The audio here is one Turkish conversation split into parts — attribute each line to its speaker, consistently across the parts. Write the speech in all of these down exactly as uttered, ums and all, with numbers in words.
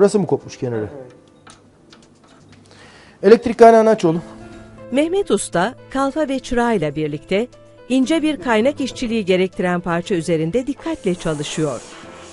Speaker 1: Burası mı kopmuş kenarı? Evet. Elektrik kaynağını aç oğlum.
Speaker 2: Mehmet Usta, kalfa ve çırağıyla birlikte ince bir kaynak işçiliği gerektiren parça üzerinde dikkatle çalışıyor.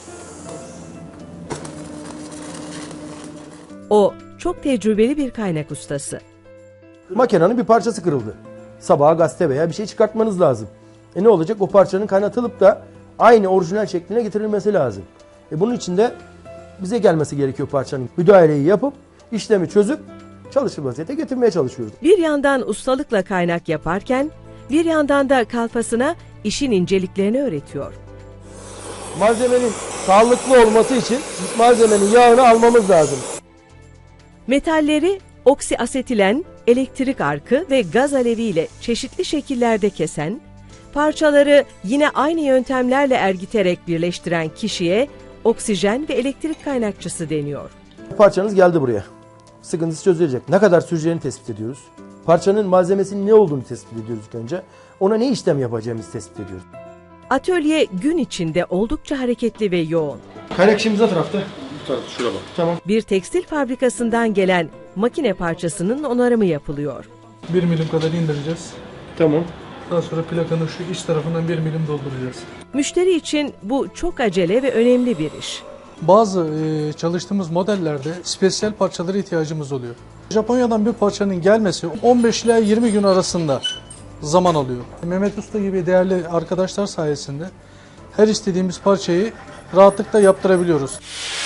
Speaker 2: O, çok tecrübeli bir kaynak ustası.
Speaker 1: Makinenin bir parçası kırıldı. Sabaha gazete veya bir şey çıkartmanız lazım. E ne olacak? O parçanın kaynatılıp da aynı orijinal şekline getirilmesi lazım. E bunun için de bize gelmesi gerekiyor parçanın. Müdahaleyi yapıp, işlemi çözüp çalışır vaziyete getirmeye çalışıyoruz.
Speaker 2: Bir yandan ustalıkla kaynak yaparken, bir yandan da kalfasına işin inceliklerini öğretiyor.
Speaker 1: Malzemenin sağlıklı olması için malzemenin yağını almamız lazım.
Speaker 2: Metalleri oksiasetilen, elektrik arkı ve gaz aleviyle çeşitli şekillerde kesen, parçaları yine aynı yöntemlerle ergiterek birleştiren kişiye oksijen ve elektrik kaynakçısı deniyor.
Speaker 1: Parçanız geldi buraya. Sıkıntısı çözülecek. Ne kadar süreceğini tespit ediyoruz. Parçanın malzemesinin ne olduğunu tespit ediyoruz ilk önce. Ona ne işlem yapacağımızı tespit ediyoruz.
Speaker 2: Atölye gün içinde oldukça hareketli ve yoğun.
Speaker 1: Kaynak işimiz ne tarafta?
Speaker 3: Bu tarafta, şurada bak.
Speaker 1: Tamam.
Speaker 2: Bir tekstil fabrikasından gelen makine parçasının onarımı yapılıyor.
Speaker 4: bir milim kadar indireceğiz.
Speaker 1: Tamam.
Speaker 4: Daha sonra plakanın şu iç tarafından bir milim dolduracağız.
Speaker 2: Müşteri için bu çok acele ve önemli bir iş.
Speaker 4: Bazı e, çalıştığımız modellerde spesiyel parçalara ihtiyacımız oluyor. Japonya'dan bir parçanın gelmesi on beş ila yirmi gün arasında zaman alıyor. Mehmet Usta gibi değerli arkadaşlar sayesinde her istediğimiz parçayı rahatlıkla yaptırabiliyoruz.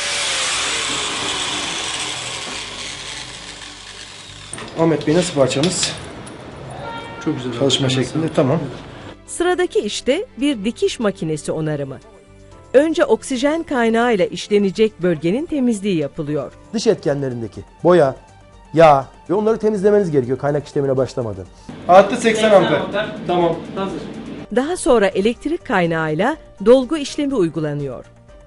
Speaker 1: Ahmet Bey, nasıl parçamız?
Speaker 4: Çok güzel.
Speaker 1: Çalışma şeklinde, tamam.
Speaker 2: Sıradaki işte bir dikiş makinesi onarımı. Önce oksijen kaynağıyla işlenecek bölgenin temizliği yapılıyor.
Speaker 1: Dış etkenlerindeki boya, yağ ve onları temizlemeniz gerekiyor kaynak işlemine başlamadan. Artı seksen amper. Tamam.
Speaker 5: Hazır.
Speaker 2: Daha sonra elektrik kaynağıyla dolgu işlemi uygulanıyor.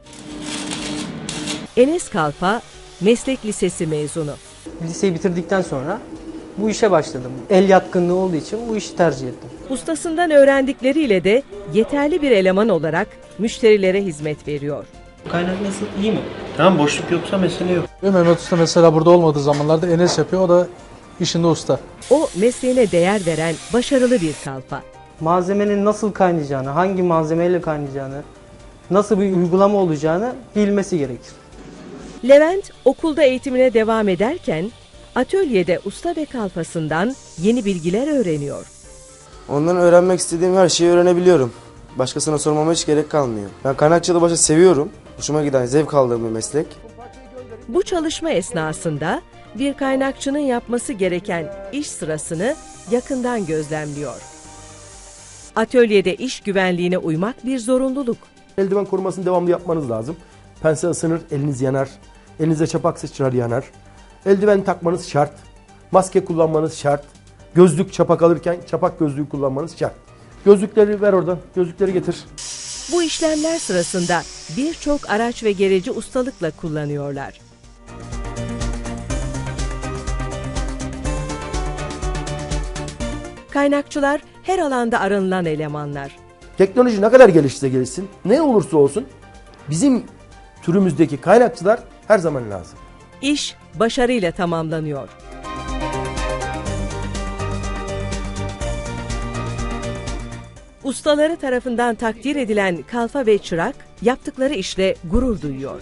Speaker 2: Enes Kalfa, meslek lisesi mezunu.
Speaker 5: Liseyi bitirdikten sonra bu işe başladım. El yatkınlığı olduğu için bu işi tercih ettim.
Speaker 2: Ustasından öğrendikleriyle de yeterli bir eleman olarak müşterilere hizmet veriyor.
Speaker 5: Kaynak nasıl? İyi mi?
Speaker 3: Tamam, boşluk yoksa mesele yok.
Speaker 4: Ve Mehmet Usta mesela burada olmadığı zamanlarda Enes yapıyor. O da işinde usta.
Speaker 2: O mesleğine değer veren başarılı bir kalfa.
Speaker 5: Malzemenin nasıl kaynayacağını, hangi malzemeyle kaynayacağını, nasıl bir uygulama olacağını bilmesi gerekir.
Speaker 2: Levent okulda eğitimine devam ederken atölyede usta ve kalfasından yeni bilgiler öğreniyor.
Speaker 6: Ondan öğrenmek istediğim her şeyi öğrenebiliyorum. Başkasına sormama hiç gerek kalmıyor. Ben kaynakçılığı başta seviyorum. Hoşuma giden, zevk aldığım bir meslek.
Speaker 2: Bu çalışma esnasında bir kaynakçının yapması gereken iş sırasını yakından gözlemliyor. Atölyede iş güvenliğine uymak bir zorunluluk.
Speaker 1: Eldiven korumasını devamlı yapmanız lazım. Pense ısınır, eliniz yanar. Elinize çapak sıçrar, yanar. Eldiven takmanız şart. Maske kullanmanız şart. Gözlük çapak alırken çapak gözlüğü kullanmanız şart. Gözlükleri ver oradan. Gözlükleri getir.
Speaker 2: Bu işlemler sırasında birçok araç ve gereci ustalıkla kullanıyorlar. Kaynakçılar her alanda aranılan elemanlar.
Speaker 1: Teknoloji ne kadar gelişse gelişsin, ne olursa olsun bizim türümüzdeki kaynakçılar her zaman lazım.
Speaker 2: İş başarıyla tamamlanıyor. Ustaları tarafından takdir edilen kalfa ve çırak yaptıkları işle gurur duyuyor.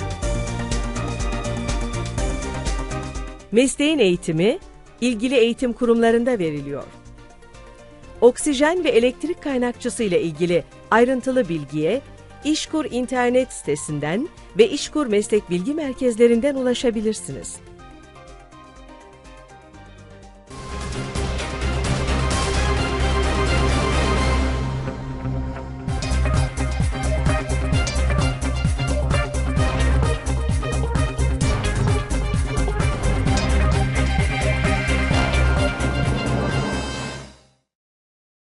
Speaker 2: Mesleğin eğitimi ilgili eğitim kurumlarında veriliyor. Oksijen ve elektrik kaynakçısı ile ilgili ayrıntılı bilgiye İşkur internet sitesinden ve İşkur meslek bilgi merkezlerinden ulaşabilirsiniz.